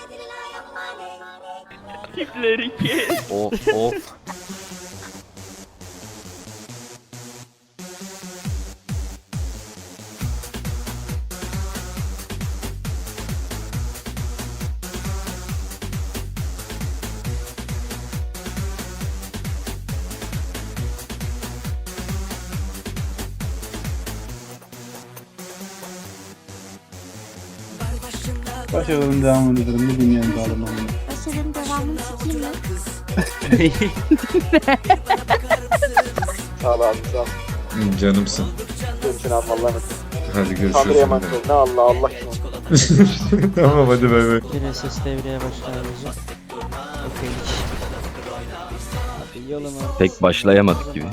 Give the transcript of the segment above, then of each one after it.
Tipleri kes. Of of. Başarının devamını edelim. Ne dünyanın dağılımını. Başarının devamını sikeyim mi? Sağ ol abi sağ ol. Canımsın. Görüşün abi Allah'a emanet. Hadi görüşürüz. Tanrı'ya emanet ol. Ne Allah kim? Tamam hadi bay bay. Bir SS devreye başlayacak. Okey. Hadi yoluma. Pek başlayamadık gibi.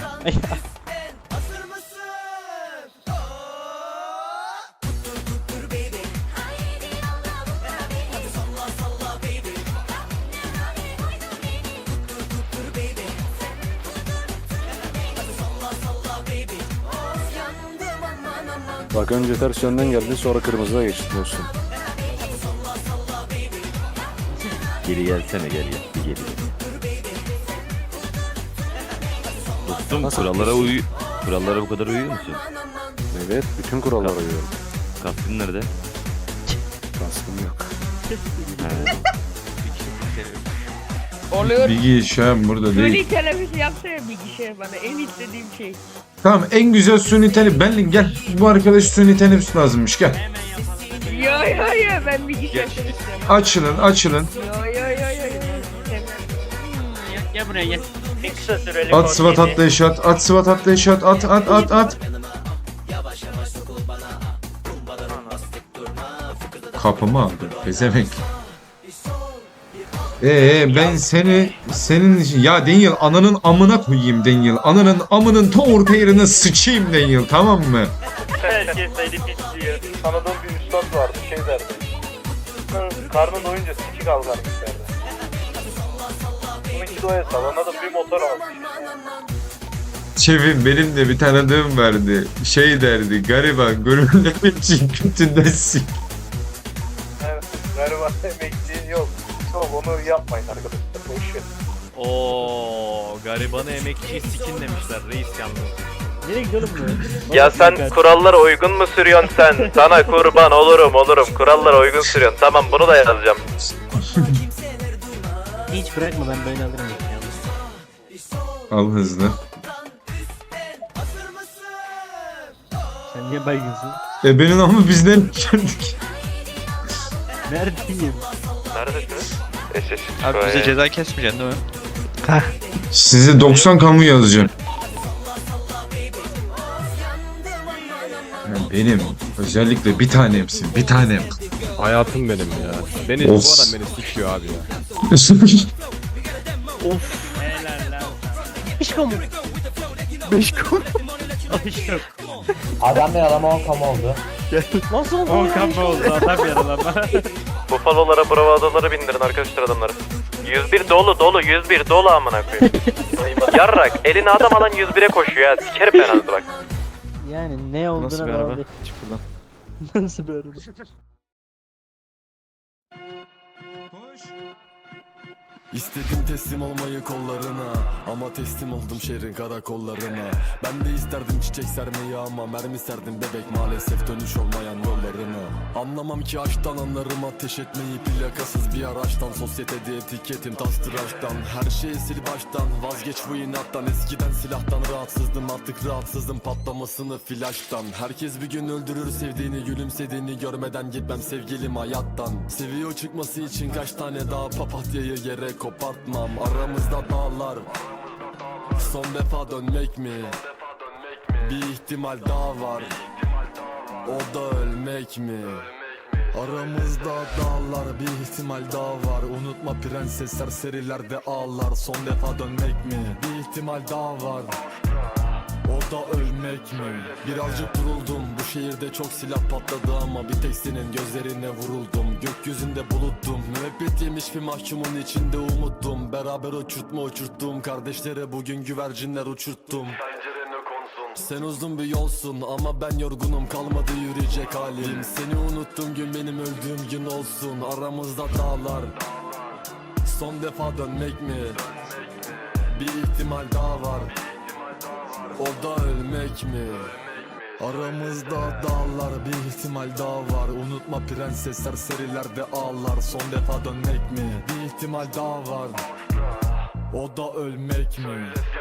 Bak önce ters yönden geldin sonra kırmızıya geçtin olsun. Geri gelsene gel. Bir geri gel. Dostum kurallara bu kadar uyuyor musun? Evet bütün kurallara uyuyorum. Kaskın nerede? Kaskım yok. Oluyor. Bilgi şu an burada değil. Suni teneffüs yapsana bilgisayar bana. En istediğim şey. Tamam en güzel suni teneffüs. Benlik gel. Bu arkadaş suni teneffüs lazımmış gel. Yo ben bilgisayar istiyorum. Açılın. Yo. Gel buraya gel. Bir kısa süreli At sıvat atlayış at. At sıvat atlayış at. At. Kapımı aldı. Pezevenk. Ben senin için ya Daniel ananın amına koyayım Daniel. Ananın amının toğur yerine sıçayım Daniel tamam mı? Herkes seni pisliyor. Tanıdığım bir üstad vardı şey derdi. Karnın doyunca sikik al kardeş derdi. Bununki doya salona da bir motor almış. Çevim benim de bir tanıdığım vardı. Şey derdi gariban gönüllü için kötünden sik. Evet galiba emekli yok. Yok onu yapmayın arkadaşlar. Boş ver. Oo, garibanı emekçiyi sikin demişler reis yalnız. Nereye gidiyorum bu? Ya sen kurallara uygun mu sürüyorsun sen? Sana kurban olurum. Kurallara uygun sürüyorsun. Tamam bunu da yazacağım. Hiç bırakma ben böyle alırım. Al hızlı. Sen niye baygınsın? Benim ama bizden geldik. Neredeyim? Neredesiniz? Abi bize ceza kesmeyeceksin değil mi? Size 90 kamu yazacağım. Ya benim özellikle bir tanemsin bir tanem. Hayatım benim ya. Beni Of. bu adam beni sikiyor abi ya. Helal lan. Aşkım. Adam yaralama 10 kamu oldu. Nasıl oldu? 10 kafa oldu adam yaralama. Bufalolara bravadolara bindirin arkadaşlar adamları. 101 dolu 101 dolu amına koyayım. Yarrak eline adam alan 101'e koşuyor ya. Sikerim penaltı bak. Yani ne olduğuna Nasıl bir araba? bağlı. Çık buradan. Nasıl bir araba? İstedim teslim olmayı kollarına, ama teslim oldum şehrin karakollarına. Ben de isterdim çiçek sermeyi ama mermi serdim bebek, maalesef dönüş olmayan yollarına. Anlamam ki aşktan, anlarım ateş etmeyi plakasız bir araçtan. Sosyetede etiketim tas tıraştan, her şeyi sil baştan. Vazgeç bu inattan, eskiden silahtan rahatsızdım, artık rahatsızım patlamasını flaştan. Herkes bir gün öldürür sevdiğini, gülümsediğini görmeden gitmem sevgilim hayattan. Seviyor çıkması için kaç tane daha papatyayı yere kopartmam. Aramızda dağlar, son defa dönmek mi? Bir ihtimal daha var, o da ölmek mi? Aramızda dağlar, bir ihtimal daha var. Unutma prensesler serilerde ağlar. Son defa dönmek mi? Bir ihtimal daha var, o da ölmek mi? Birazcık duruldum, bu şehirde çok silah patladı ama bir tek senin gözlerine vuruldum. Gökyüzünde buluttum, müebbet yemiş bir mahkumun içinde umuttum. Beraber uçurttuğum kardeşlere bugün güvercinler uçurttum. Pencerene konsun, Sen uzun bir yolsun ama ben yorgunum, kalmadı yürüyecek halim. Seni unuttuğum gün benim öldüğüm gün olsun. Aramızda dağlar, son defa dönmek mi? Bir ihtimal daha var, o da ölmek mi? Aramızda dağlar, bir ihtimal daha var. Unutma prenses, serserilerde ağlar. Son defa dönmek mi? Bir ihtimal daha var, o da ölmek mi?